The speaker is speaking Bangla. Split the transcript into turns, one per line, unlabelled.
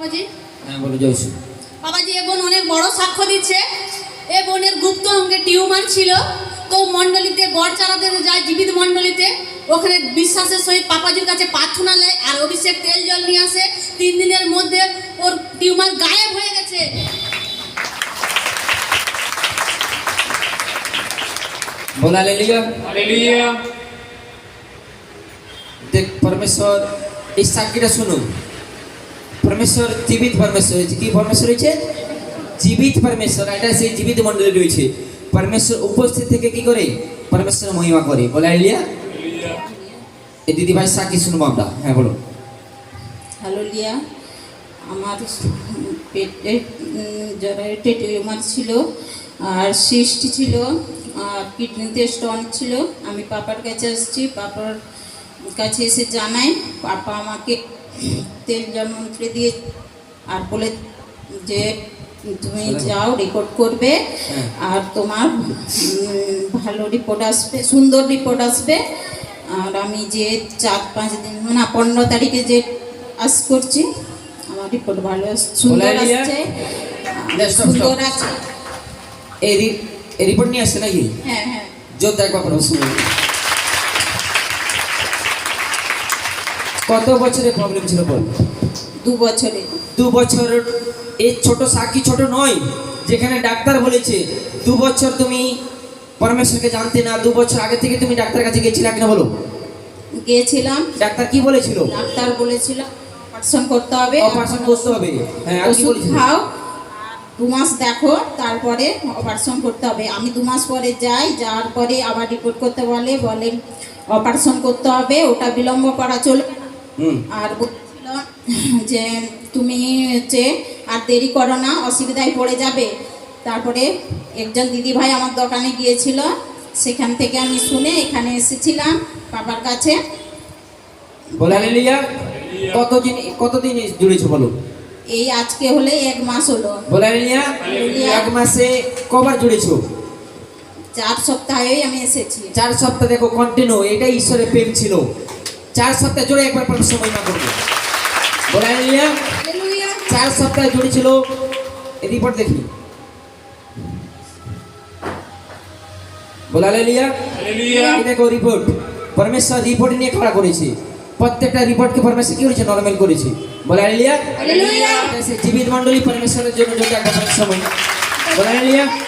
বাবাজি।
হ্যাঁ বলো জয়সু।
বাবাজি এ বোন অনেক বড় সাক্ষ্য দিচ্ছে। এ বোনের গুপ্ত অঙ্গে টিউমার ছিল, তো মণ্ডলীতে গড় চালাতে যায় জীবিত মণ্ডলীতে, ওখানে বিশ্বাসের সহিত পাপাজির কাছে প্রার্থনা নেয় আর অভিষেক তেল জল নিয়ে আসে। 3 দিনের মধ্যে ওর টিউমার গায়েব হয়ে গেছে।
बोला हालेलुया।
हालेलुया।
देख परमेश्वर इस साक्षीটা শুনো। परमेश्वर জীবিত परमेश्वर হয়েছে। কি परमेश्वर হয়েছে? জীবিত परमेश्वर। এটা সেই জীবিত মণ্ডলী রয়েছে। परमेश्वर উপস্থিত থেকে কি করে? परमेश्वर মহিমা করে। বলা হালেলুয়া।
हालेलुया।
এই দিদি ভাই সাক্ষী শুনবো আমরা। হ্যাঁ বলো।
হালেলুয়া। আমার পেটে জরায়ুতে টিউমার ছিল আর সিস্ট ছিল আর কিডনিতে স্টোন ছিল। আমি পাপার কাছে এসেছি, পাপার কাছে এসে জানাই, পাপা আমাকে তেল জল মন্ত্রে দিয়ে আর বলে যে তুমি যাও রিপোর্ট করবে আর তোমার ভালো রিপোর্ট আসবে, সুন্দর রিপোর্ট আসবে। আর আমি যে 4-5 দিন না 15 তারিখে যে আস করছি, আমার রিপোর্ট ভালো সুন্দর আসছে, সুন্দর আছে।
এই রিপোর্ট নিয়ে আসছে নাকি?
হ্যাঁ হ্যাঁ।
যোদ্ধা একবার প্রশ্ন। কত বছরের প্রবলেম ছিল বল?
2 বছরে।
2 বছর। এই ছোট সাক্ষী ছোট নয়, যেখানে ডাক্তার বলেছে 2 বছর তুমি পরমেশ্বরকে জানতে না, 2 বছর আগে থেকে তুমি ডাক্তার কাছে গিয়েছিলে কিনা বলো?
গিয়েছিলাম।
ডাক্তার কি বলেছিল?
ডাক্তার বলেছিল অপারেশন করতে হবে,
অপারেশন করতে হবে। হ্যাঁ আর কি
ওষুধ
বলেছিল?
খাও, 2 মাস দেখো, তারপরে অপারেশন করতে হবে। আমি 2 মাস পরে যাই, যাওয়ার পরে আবার রিপোর্ট করতে বলে অপারেশন করতে হবে, ওটা বিলম্ব করা চলবে না। আর বলছিল যে তুমি হচ্ছে আর দেরি করো না, অসুবিধায় পড়ে যাবে। তারপরে একজন দিদি ভাই আমার দোকানে গিয়েছিল, সেখান থেকে আমি শুনে এখানে এসেছিলাম বাবার কাছে।
বলে হালেলুয়া। কতদিন জুড়েছো বলো?
এই আজকে হলে 1 মাস হলো।
বলে হালেলুয়া। 1 মাসে কবার জুড়েছো?
4 সপ্তাহেই আমি এসেছি।
4 সপ্তাহ। দেখো কন্টিনিউ, এটাই ঈশ্বরের প্রেম ছিল। 4 সপ্তাহ জুড়ে একবার পরমেশ্বর মহিমা করবে। বলে হালেলুয়া। 4 সপ্তাহ জুড়ে ছিল। এই রিপোর্ট দেখি। বলে হালেলুয়া।
हालेलुया।
এই দেখো রিপোর্ট। পরমেশ্বর রিপোর্ট নিয়ে খড়া করেছে। প্রত্যেকটা রিপোর্টকে পরমেশ্বর কি করেছে? নরমাল করেছে। বলে হালেলুয়া।
হালেলুয়া।
এটা সেই জীবিত মণ্ডলী পরমেশ্বরের জন্য যদি একবার পরমেশ্বর মহিমা। বলে হালেলুয়া।